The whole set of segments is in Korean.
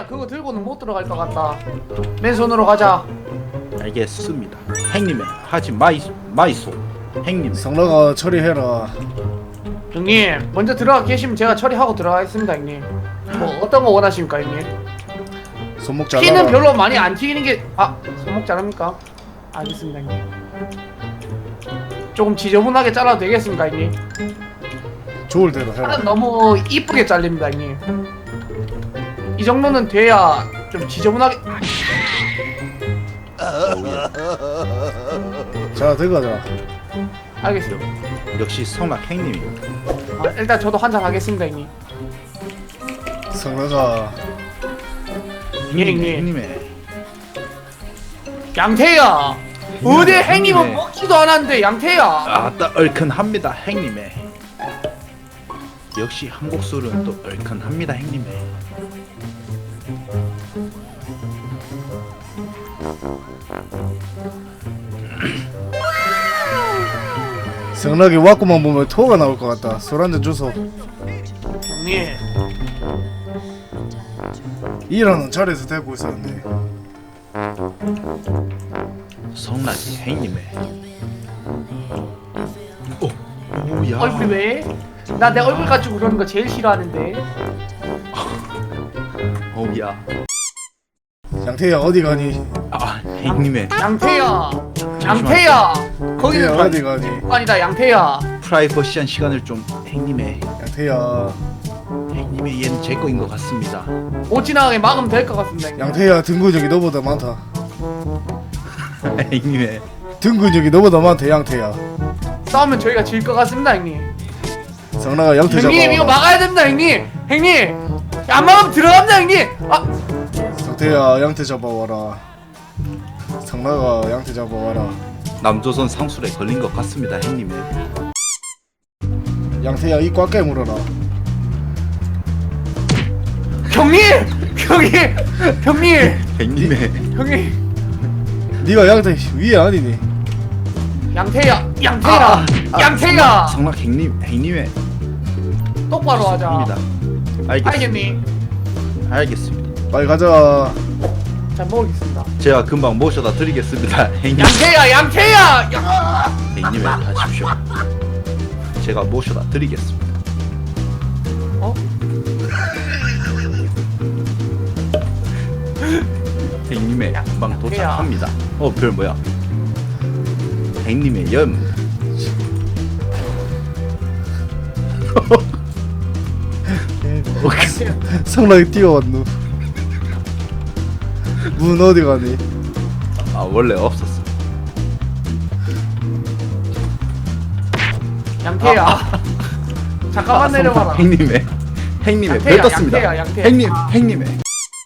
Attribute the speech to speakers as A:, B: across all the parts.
A: 형님이야 그거 들고는 못 들어갈 것 같다. 맨손으로 가자.
B: 알겠습니다. 행님의 하지 마이소. 행님.
C: 성나가 처리해라.
A: 형님 먼저 들어가 계시면 제가 처리하고 들어가겠습니다 형님. 뭐 어떤 거 원하십니까 형님?
C: 손목 잘라.
A: 키는 별로 많이 안 튀기는 게 손목 자릅니까? 알겠습니다 형님. 조금 지저분하게 잘라도 되겠습니까 형님?
C: 좋을 대로 해라.
A: 팔은 너무 이쁘게 잘립니다 형님. 이 정도는 돼야 좀 지저분하게.
C: 자 들어가자.
A: 알겠습니다.
B: 역시 성락 행님입니다.
A: 일단 저도 한잔 하겠습니다 형님.
C: 성나가
A: 형님.
B: 행님의
A: 양태야 어디
B: 형님의-
A: 행님은 먹지도 않았는데 양태야.
B: 아따 얼큰합니다. 행님의. 역시 한국 술은 또 얼큰합니다. 행님의.
C: 성나기 왔구만 보면 토가 나올 것 같다. 술 한잔 주소.
A: 형님
C: 일하는 자리에서 대고 있었네.
B: 성락이 행님의. 오야.
A: 얼굴 왜? 나 내 얼굴 가지고 그러는 거 제일 싫어하는데.
B: 오야.
C: 양태야 어디 가니?
B: 행님의
A: 양태야 거기는
C: 양태야 어디 가니?
A: 아니다 양태야.
B: 프라이버시한 시간을 좀 행님의.
C: 양태야.
B: 행님의 얘는 제 거인 것 같습니다.
A: 못 지나가게 막으면 될 것 같습니다 형님.
C: 양태야 등 근육이 너보다 많다.
B: 행님의.
C: 등 근육이 너보다 많다 양태야.
A: 싸우면 저희가 질 것 같습니다 형님.
C: 성나가 양태 잡아.
A: 형님 이거 막아야 됩니다 형님. 형님 안 막으면 들어갑니다 형님.
C: 성태야 양태 잡아와라. 성나가 양태 잡아와라.
B: 남조선 상술에 걸린 것 같습니다. 행님의.
C: 양태야 입 꽉 깨물어라.
A: 형님
B: 행님의.
C: 네가 양태 위에 아니니?
A: 양태야
B: 성락 행님의.
A: 똑바로 하자.
B: 입니다.
A: 알겠니?
B: 알겠습니다.
C: 빨리 가자.
A: 잘 먹겠습니다.
B: 제가 금방 모셔다 드리겠습니다. 행님.
A: 양태야
B: 행님의 가십시오. 제가 모셔다 드리겠습니다.
A: 어?
B: 행님의 금방 도착합니다. 별 뭐야? 행님의 염.
C: 성락이 뛰어왔누. 문 어디 가니?
B: 원래 없었어.
A: 양태야 잠깐만 내려와라.
B: 행님의
A: 양태야,
B: 별 떴습니다.
A: 양태야.
B: 행님의.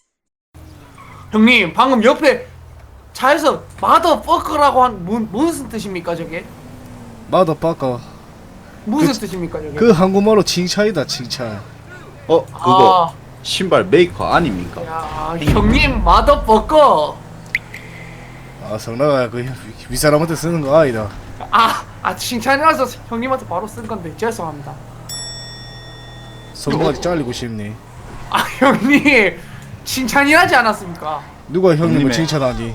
A: 형님 방금 옆에 차에서 마더퍼커라고 한 무슨 뜻입니까 저게?
C: 마더 빠까.
A: 무슨 뜻입니까 저게?
C: 그 한국말로 칭찬이다 칭찬.
B: 그거 신발 메이커 아닙니까?
A: 야 형님 마더퍼커.
C: 성나가 그 윗사람한테 쓰는 거 아니다.
A: 칭찬이라서 형님한테 바로 쓴 건데 죄송합니다.
C: 손목까지 잘리고 싶니?
A: 형님 칭찬이라지 않았습니까?
C: 누가 형님을
B: 형님의.
C: 칭찬하니?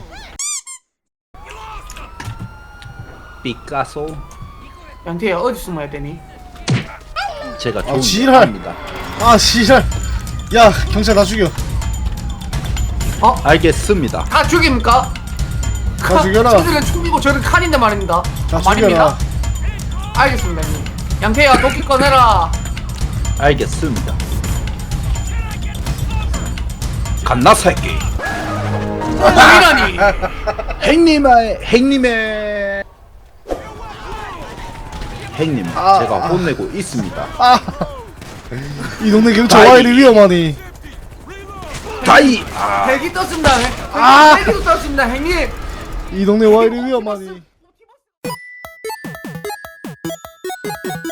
B: 피카소.
A: 양태야 어디 숨어야 되니?
B: 제가 좋은
C: 지랄.
B: 합니다.
C: 씨발. 야 경찰 다 죽여.
B: 알겠습니다.
A: 다 죽입니까?
C: 다 죽여라.
A: 저들은 총이고 저는 칼인데 말입니다.
C: 다
A: 말입니다.
C: 죽여라.
A: 알겠습니다 형님. 양태야 도끼 꺼내라.
B: 알겠습니다. 갓나 새끼.
A: 뭐이라니?
B: 행님의 행님 제가 혼내고 있습니다.
C: 이 동네 경찰 와 이리 위험하니?
B: 다이.
A: 헬기 떴습니다. 헬기도 떴습니다 형님.
C: 이 동네 와 이리 위험하니?